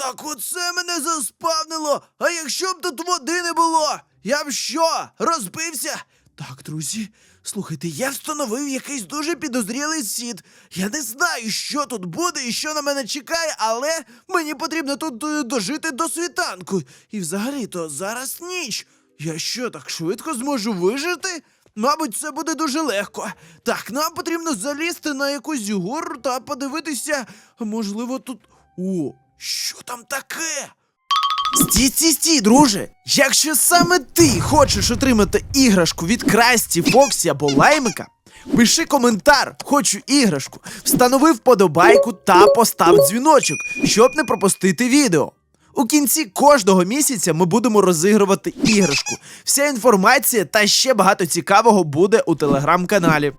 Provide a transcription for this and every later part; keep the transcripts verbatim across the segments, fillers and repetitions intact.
Так оце мене заспавнило. А якщо б тут води не було? Я б що, розбився? Так, друзі, слухайте, я встановив якийсь дуже підозрілий сід. Я не знаю, що тут буде і що на мене чекає, але мені потрібно тут е, дожити до світанку. І взагалі-то зараз ніч. Я що, так швидко зможу вижити? Мабуть, це буде дуже легко. Так, нам потрібно залізти на якусь гору та подивитися, можливо, тут. О, що там таке? Стій, стій, стій, друже! Якщо саме ти хочеш отримати іграшку від Красті, Фоксі або Лаймика, пиши коментар «Хочу іграшку», встанови вподобайку та постав дзвіночок, щоб не пропустити відео. У кінці кожного місяця ми будемо розігрувати іграшку. Вся інформація та ще багато цікавого буде у телеграм-каналі.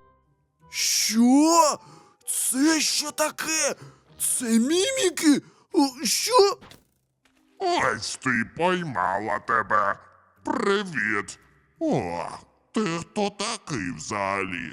Що? Це що таке? Це міміки? О, що? Ось ти поймала тебе. Привіт. О, ти хто такий взагалі?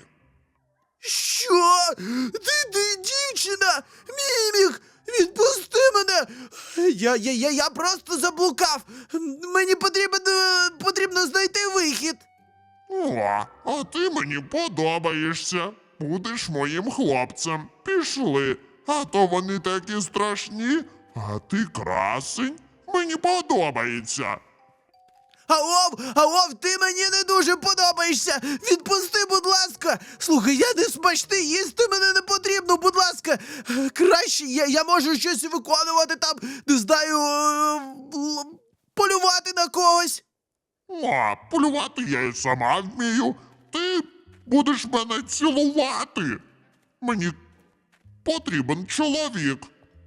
Що? Ти, ти дівчина? Мімік! Відпусти мене! Я, я, я, я просто заблукав! Мені потрібно, потрібно знайти вихід! О, а ти мені подобаєшся. Будеш моїм хлопцем. Пішли. А то вони такі страшні, а ти красень. Мені подобається. Аов, аов, ти мені не дуже подобаєшся! Відпусти, будь ласка! Слухай, я не смачний, їсти мене не потрібно, будь ласка! Краще я, я можу щось виконувати там, не знаю, е, л- полювати на когось! О, полювати я й сама вмію. Ти будеш мене цілувати. Мені потрібен чоловік.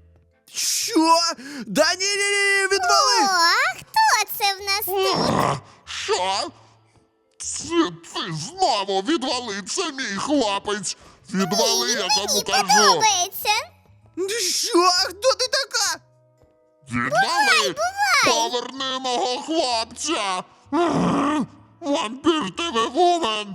Що? Да ні, ні, ні, відвали! О, а хто це в нас тут? А, що? Це ти знову відвали, це мій хлопець. Відвали, я кому Мені кажу. подобається. Що? Хто ти така? Відвали! Поверни мого хлопця! Ага, вампір ти вумен!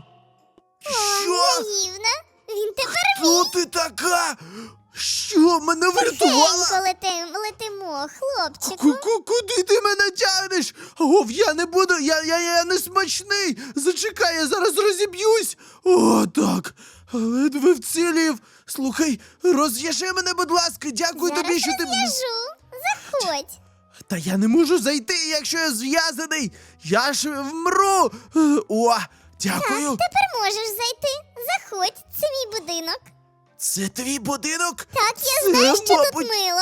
Що? Наївна. Він тепер Хто ти така? Що, мене врятувала? тихенько летим, летимо, хлопчику. Ку-ку, куди ти мене тягнеш? Ов, я не буду, я, я, я не смачний. Зачекай, я зараз розіб'юсь. О, так. Ледве вцілів. Слухай, розв'яжи мене, будь ласка. Дякую Зараз тобі, що ти. розв'яжу. Заходь. Та я не можу зайти, якщо я зв'язаний. Я ж вмру. Е, О, дякую. Тепер можеш зайти. Заходь, це мій будинок. Це твій будинок? Так, я Це, знаю, що мабуть, тут мило.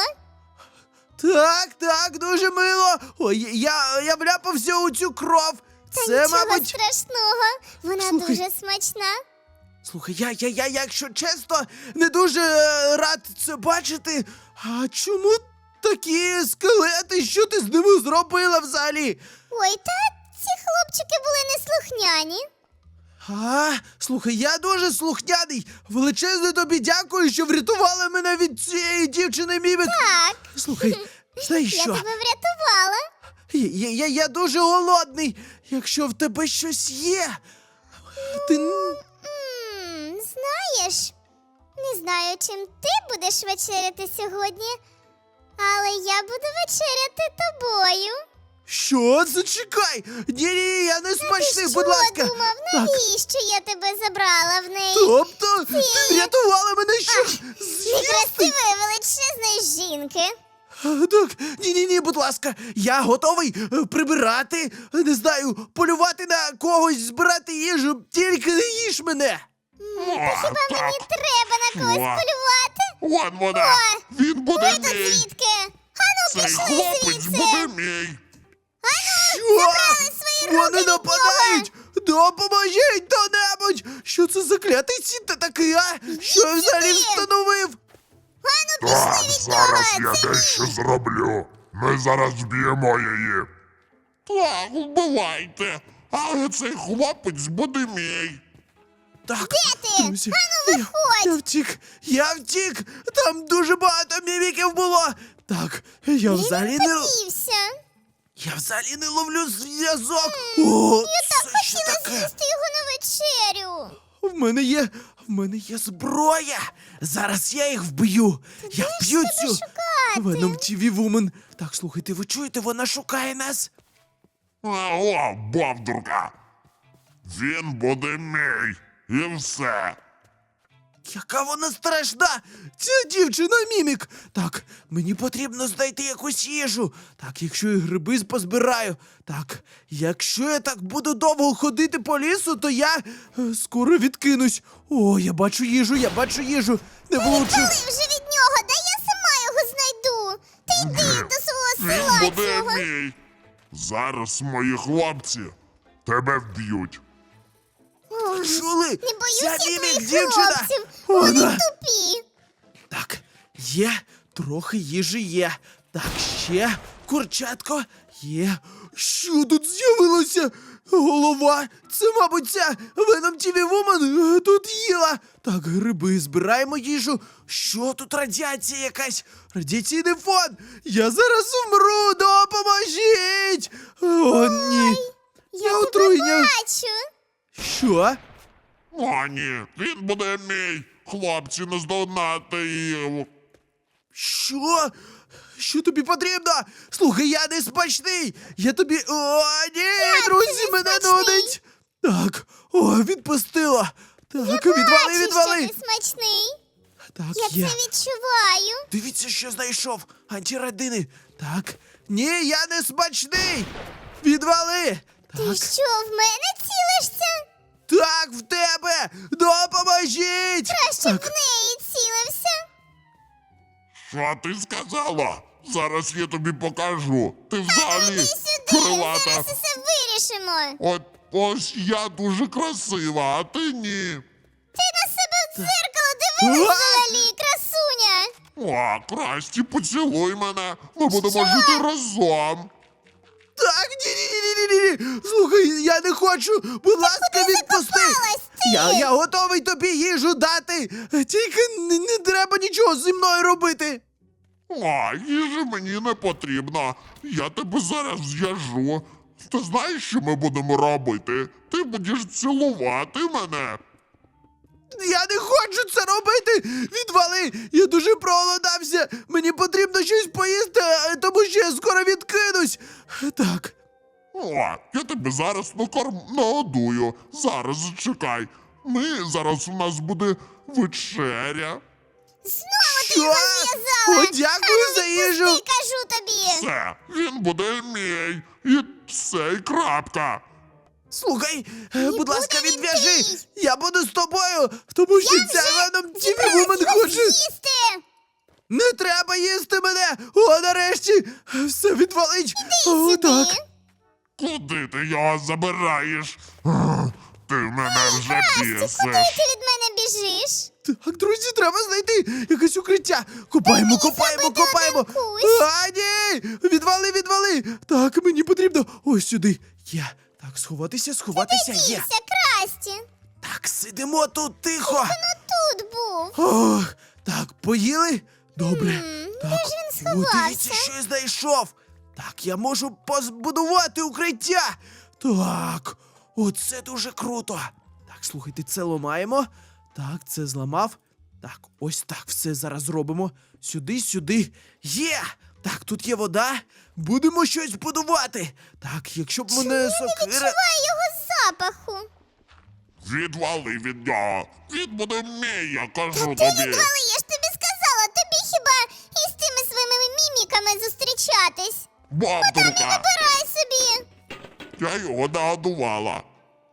Так, так, дуже мило. Ой, я, я вляпався у цю кров. Та Це, нічого мабуть. страшного. Вона Слухай. дуже смачна. Слухай, я, я, я, якщо чесно, не дуже е, рад це бачити. А чому такі скелети? Що ти з ними зробила взагалі? Ой, та ці хлопчики були неслухняні. А, слухай, я дуже слухняний. Величезне тобі дякую, що врятувала мене від цієї дівчини мімік. Так, Слухай, знаєш я що? тебе врятувала. Я, я, я дуже голодний. Якщо в тебе щось є, ти. н- М, знаєш, не знаю, чим ти будеш вечеряти сьогодні, але я буду вечеряти тобою. Що? Зачекай! Ні-ні, я не смачний, Ти будь що ласка. думав, Так, навіщо я тебе забрала в неї? тобто, ти врятувала мене що? З'їсти? Некрасивої величезної жінки. А, Так, ні-ні-ні, будь ласка, я готовий е, прибирати, е, не знаю, полювати на когось, збирати їжу, тільки не їж мене. О, Хіба так, мені треба на когось О. полювати? вон вона! О, Він буде Ви тут мій! звідки? Ану, Цей пішли хлопець звідси. буде мій! Що? свої Вони руки від нападають! Допоможіть хто-небудь! Що це за клятий сіт та такий, а? Що я взагалі сюди. встановив? Ану, Так, пішли від зараз нього. я Це дещо зроблю. Ми зараз вб'ємо її. Так, вбивайте. Але цей хлопець буде мій. Так, ти? друзі, Ану, я, виходь. я втік, я втік! Там дуже багато міміків було! Так, я взагалі не... подівся. Я взагалі не ловлю зв'язок! О, Так це що хотіла таке? з'їсти його на вечерю. В мене є, в мене є зброя! Зараз я їх вб'ю! Я вб'ю Тебе цю... шукати. Веном ті ві Вумен. Так, слухайте, ви чуєте, вона шукає нас. О, бовдурка! Він буде мій, і все. Яка вона страшна! Ця дівчина мімік! Так, мені потрібно знайти якусь їжу. Так, якщо я гриби позбираю. Так, якщо я так буду довго ходити по лісу, то я е, скоро відкинусь. О, я бачу їжу, я бачу їжу. Не влучив. Коли вже від нього, да я сама його знайду. Ти йди до свого Він села буде цього. мій. Зараз мої хлопці тебе вб'ють. Ой, Чули? не боюся Ця я мімік твоїх дівчина. хлопців. Вони Вона. тупі. Так, є, трохи їжі є. Так, ще курчатко є. Що тут з'явилося? Голова. Це, мабуть, ця Веном ті ві Вумен тут їла. Так, гриби, збираємо їжу. Що тут радіація якась? Радіаційний фон. Я зараз вмру, допоможіть. О, ні. Я тебе отруєння. бачу. Що? О, ні, він буде мій. Хлопці, не здогнати їх. Що? Що тобі потрібно? Слухай, я не смачний! Я тобі. О, ні, друзі, не мене смачний? нудить! Так, о, відпустила! Так, відвали, Бачу, відвали! що ти смачний. Так, Я є. це відчуваю. Дивіться, що знайшов! Антирадини! Так. Ні, я не смачний! Відвали! Ти Так, що, в мене цілишся? так, в тебе! Допоможіть! Краще Так, в неї цілився. Що ти сказала? Зараз я тобі покажу. Ти взагалі Іди сюди, крилата. зараз усе вирішимо. От ось я дуже красива, а ти ні. Ти на себе в дзеркало дивилась А? взагалі, красуня. О, Красті, поцілуй мене. Ми будемо жити разом. так, ні-ні-ні-ні-ні! Слухай, я не хочу! Будь ласка, відпусти! закопалась ти? Я, я готовий тобі їжу дати! Тільки не, не треба нічого зі мною робити! О, їжі мені не потрібно. Я тебе зараз зв'яжу. Ти знаєш, що ми будемо робити? Ти будеш цілувати мене. Я не хочу це робити! Відвали! Я дуже проголодався! Мені потрібно щось поїсти, е, тому що я скоро відкинусь! Так. О, я тебе зараз накорм нагодую. Зараз зачекай. Ми зараз у нас буде вечеря. Знову ти Що? його зв'язала. О, дякую за їжу! Ти кажу тобі. Все, він буде мій. І все, і крапка. Слухай, е, будь ласка, буде він відв'яжи! твій. Я буду з тобою, тому що Я ця вже Веном ті ві зібралась Вумен його хоче. з'їсти. Не треба їсти мене! О, нарешті! Все відвалить! О, так. Сюди. Куди ти його забираєш? Ах, Ти мене вже Куди бісиш. ти від мене біжиш? Так, друзі, треба знайти якесь укриття. Копаємо, копаємо, зробити копаємо. один кущ. А, ні! Відвали, відвали! Так, мені потрібно. Ось сюди. Є. Так, сховатися, сховатися, є. Дівся, Красті. Так, сидимо тут тихо. Ну тут був. Ох, так, поїли? Добре. М, так, де ж він о, сховався? дивіться, що я знайшов. Так, я можу позбудувати укриття. Так, оце дуже круто. Так, слухайте, це ламаємо. Так, це зламав. Так, ось так все зараз зробимо. Сюди, сюди. Є! Так, тут є вода. Будемо щось будувати. Так, якщо б мене сокира. Відчуваю його запаху. Відвали від нього. Він буде мій, я кажу Ти тобі. відвали, я ж тобі сказала. Тобі хіба із тими своїми міміками зустрічатись? Бабдурка, Забирай собі. я його нагодувала.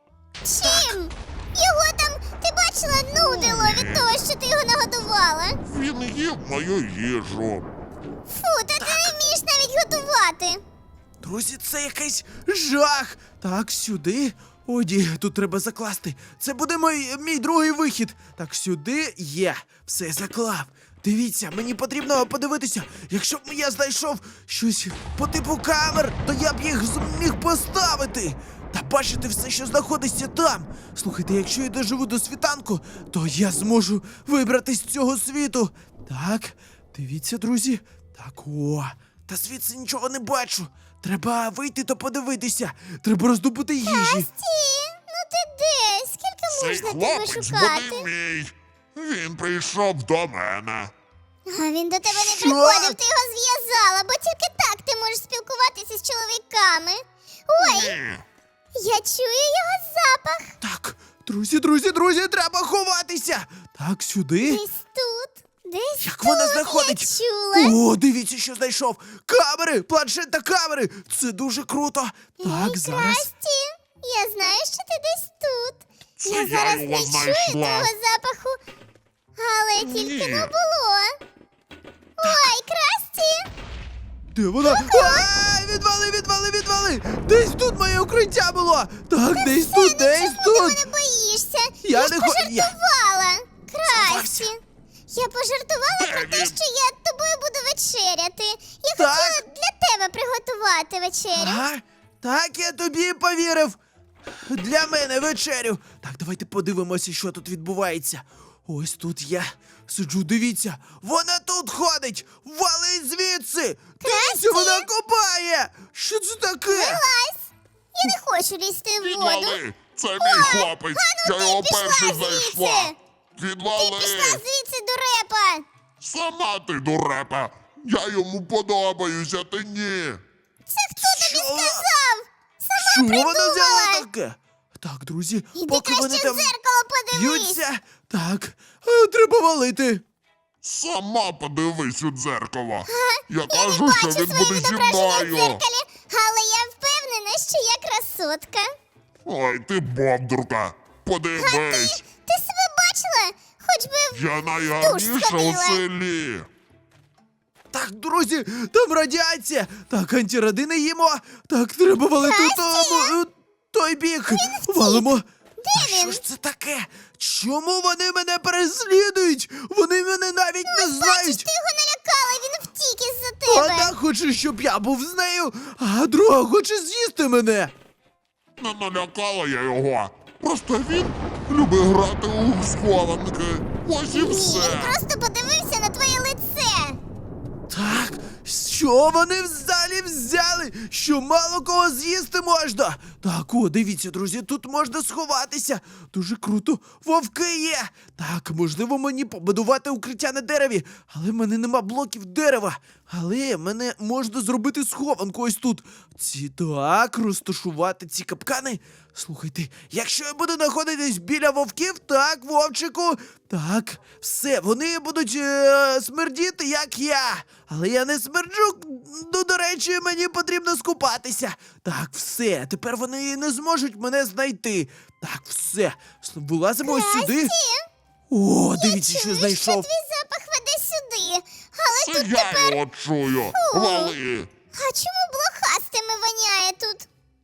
Чим? Його там, ти бачила, нудило від того, що ти його нагодувала. Він їв мою їжу. Фу, та ти не вмієш навіть готувати. Друзі, це якийсь жах. Так, сюди. О, ні, тут треба закласти. Це буде мій, мій другий вихід. Так, сюди є. Все заклав. Дивіться, мені потрібно подивитися. Якщо б я знайшов щось по типу камер, то я б їх зміг поставити. Та бачите все, що знаходиться там. Слухайте, якщо я доживу до світанку, то я зможу вибратись з цього світу. Так, дивіться, друзі. Так, о, та звідси нічого не бачу. Треба вийти та подивитися. Треба роздобути їжі. Ті, ну ти де? Скільки Цей можна тебе хлопець шукати? буде мій. Він прийшов до мене. А він до тебе не Що? приходив, ти його зв'язала, бо тільки так ти можеш спілкуватися з чоловіками. Ой, Ні. я чую його запах. Так, друзі, друзі, друзі, треба ховатися. Так, сюди. Десь тут, десь Як тут вона знаходить? я чула. О, дивіться, що знайшов. Камери, планшет та камери. Це дуже круто. Так, Ей, зараз. Красті, я знаю, що ти десь тут. Це я я зараз його не чую знайшла. того запаху, але тільки Ні. не було. Ой, Красті! Де вона? А, відвали, відвали, відвали. Десь тут моє укриття було. Так, десь тут, десь Ти тут. мене боїшся. Я Я ж не хо- я- пожартувала. Сховався. Красті. Я пожартувала про те, Девід. що я з тобою буду вечеряти. Я Так. хотіла для тебе приготувати вечерю. Ага, так я тобі повірив. Для мене вечерю. Так, давайте подивимося, що тут відбувається. Ось тут я сиджу, дивіться. Вона тут ходить. Валить звідси. Дивіться, вона копає. Що це таке? Лазь. Я не хочу лізти в воду. Відвали! Це мій хлопець! ну Я ти його пішла перший звідси. знайшла! Ти Відвали! пішла звідси, дурепа. Сама ти дурепа! Я йому подобаюся, ти ні! Це хто тобі Що? сказав? Сама Що вона придумала. взяла таке? Так, друзі, Іди поки вони краще в там дзеркало подивись. б'ються. Так, е, треба валити. Сама подивись у дзеркало! Я Я не кажу, бачу що він своє буде зі відображення в мною! дзеркалі, але я впевнена, що я красотка. Ой, ти бовдурка! Подивись! Ти себе бачила? Хоч би в Я найгарніша у сходила. селі! Так, друзі, там радіація. Так, антирадини їмо. Так, треба валити у тому, у той бік. Валимо. А що він? ж це таке? Чому вони мене переслідують? Вони мене навіть не Бачиш, знають. ти його налякала, він втік із-за тебе. Одна хоче, щоб я був з нею, а друга хоче з'їсти мене. Не налякала я його! Просто він любить грати у схованки! Ось і Ні, все! він просто подивився на твоє лице. Так, що вони взагалі взяли? Що мало кого з'їсти можна? Так, о, дивіться, друзі, тут можна сховатися. Дуже круто. Вовки є. Так, можливо, мені побудувати укриття на дереві, але в мене нема блоків дерева. Але мене можна зробити схованку ось тут. Ці так, розташувати ці капкани. Слухайте, якщо я буду знаходитись біля вовків, так, вовчику, так, все, вони будуть е- смердіти, як я. Але я не смерджу, ну, до речі, мені потрібно скупатися. Так, все, тепер вони не зможуть мене знайти. Так, все, вилазимо ось сюди. О, дивіться, що Чую, знайшов. що твій запах веде сюди. Але Це тут я тепер... його чую! Вали! А чому блохастими воняє тут?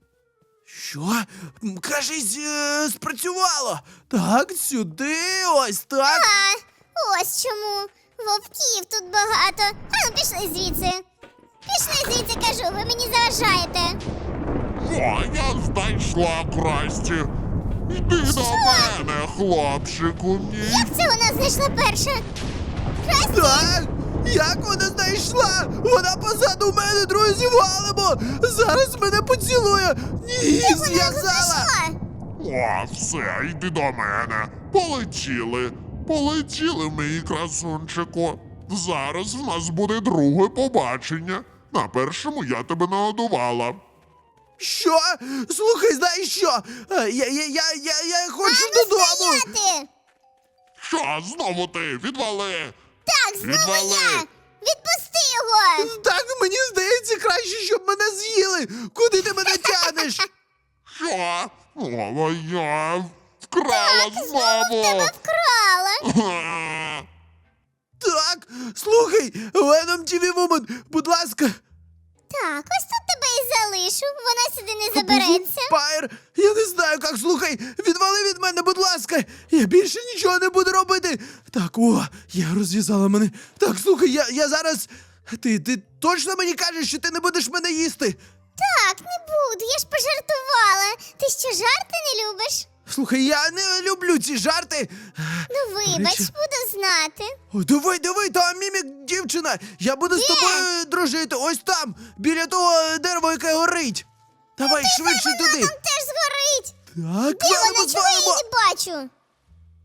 Що? М, Кажись, е, спрацювало. Так, сюди, ось так. А, ось чому. Вовків тут багато. А ну пішли звідси. Пішли звідси, кажу, ви мені заважаєте. О, я знайшла Красті! Іди до мене, хлопчику мій! Як це вона знайшла перша? Красті, Так, як вона знайшла? Вона позаду мене, друзі, валимо! Зараз мене поцілує! Ні, вона його зв'язала! знайшла. О, все, йди до мене! Полетіли! Полетіли, мій красунчику! Зараз в нас буде друге побачення. На першому я тебе нагодувала. Що? Слухай, знаєш що? Е, Я, я, я, я, я хочу А ну додому! стояти! Що, знову ти? Відвали! Так, знову Відвали! я! Відпусти його! Так, мені здається, краще, щоб мене з'їли! Куди ти мене тянеш? Що? О, я вкрала знову! Тебе вкрала! Га. Так, слухай, Venom ті ві Woman, будь ласка, Так, ось тут тебе і залишу. Вона сюди не забереться. Пайр, я не знаю, як, слухай, відвали від мене, будь ласка, я більше нічого не буду робити. Так, о, я розв'язала мене. Так, слухай, я, я зараз, ти, ти точно мені кажеш, що ти не будеш мене їсти? Так, не буду, я ж пожартувала. Ти що, жарти не любиш? Слухай, я не люблю ці жарти. Ну, вибач, речі- буду знати. О, диви, диви, там мімік дівчина. Я буду з тобою дружити. Ось там, біля того дерева, яке горить. Давай швидше туди. Там теж згорить. Так, Де валимо, вона? Чого я її звалимо. не бачу?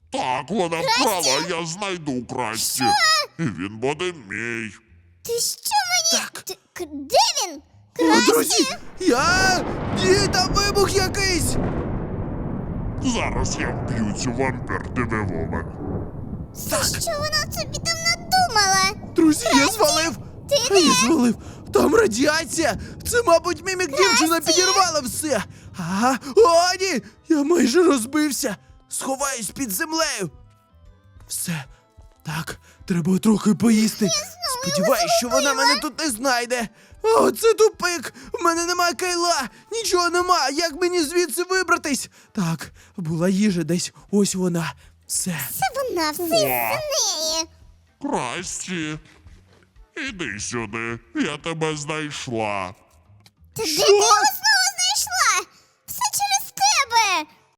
Так, вона вкрала, я знайду Красті. І він буде мій. Ти що мені? Так. Ти, к- де він? О, Красті? друзі, я... Ні, там вибух якийсь! Зараз я вб'ю цю вампір невеломе. Та що вона собі там надумала? Друзі, я звалив! ти А я де? звалив! Там радіація! Це, мабуть, мімік дівчина підірвала все! Ага, о, ні! Я майже розбився! Сховаюсь під землею! Все. Так, треба трохи поїсти. Сподіваюсь, що вона мене тут не знайде. О, це тупик! В мене немає кайла! Нічого нема! Як мені звідси вибратись? Так, була їжа десь. Ось вона. Все. Це вона, все із-за неї. Красті, іди сюди, я тебе знайшла. Та де Що? ти його